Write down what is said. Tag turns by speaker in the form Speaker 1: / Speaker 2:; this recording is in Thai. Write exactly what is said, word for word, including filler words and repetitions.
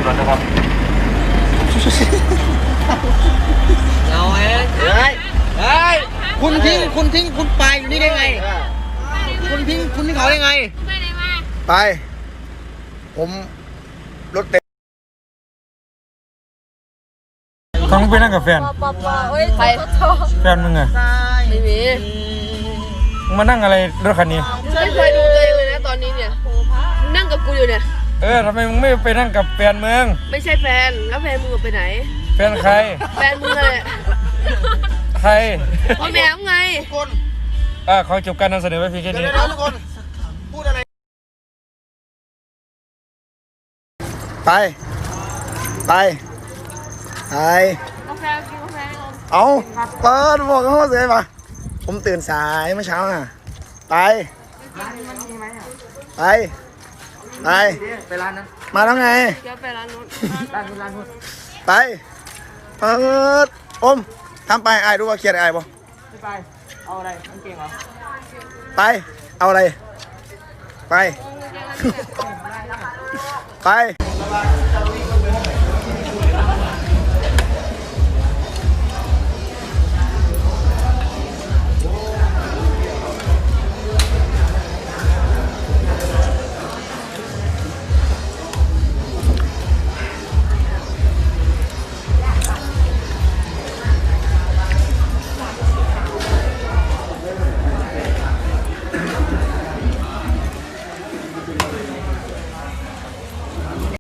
Speaker 1: ก่อนนะครับ
Speaker 2: เอาเองเฮ้ยเฮ้ยคุณทิ้งคุณทิ้งคุณไปอยู่นี่ได้ไงคุณทิ้งคุณทิ้งเขาได้ไงไปผมรถเต็ม
Speaker 3: ต้องไปนั่งกับแฟน
Speaker 4: ใคร
Speaker 3: แฟนมึงไง
Speaker 4: ไม่มี
Speaker 3: มึงมานั่งอะไรรถคันนี้
Speaker 4: ไม่เคยดูตัวเองเลยนะตอนนี้เนี่ยนั่งกับกูอยู่เนี่ย
Speaker 3: เออทำไมมึงไม่ไปนั่งกับแฟนมึง
Speaker 4: ไม่ใช่แฟนแล้วแฟนมึงไปไหน
Speaker 3: แฟนใคร
Speaker 4: แฟนมึงเลย
Speaker 3: ใคร
Speaker 4: พ่อแม่มึงไง
Speaker 2: คน
Speaker 3: อ่าขอจบการนำเสนอไว้เพียงแค่นี้
Speaker 2: ทุกคนพูดอะไรไปไปไป
Speaker 4: กาแฟกินกาแฟ
Speaker 2: เอาเปิดบอกเขาเสียป่ะผมตื่นสายเมื่อเช้าอ่ะไปไปไป
Speaker 3: ไปร้านนั้น
Speaker 2: มาแล้วไง
Speaker 4: เดี๋ยวไปร้านนู้น
Speaker 3: ร้านนู้นร้านนู้น
Speaker 2: ไปเปิดอมทำไปไอ้รู้ว่าเครียดไอ้บ่
Speaker 3: ไม่ไปเอาอะไรกางเกงเหรอ
Speaker 2: ไปเอาอะไรไปไป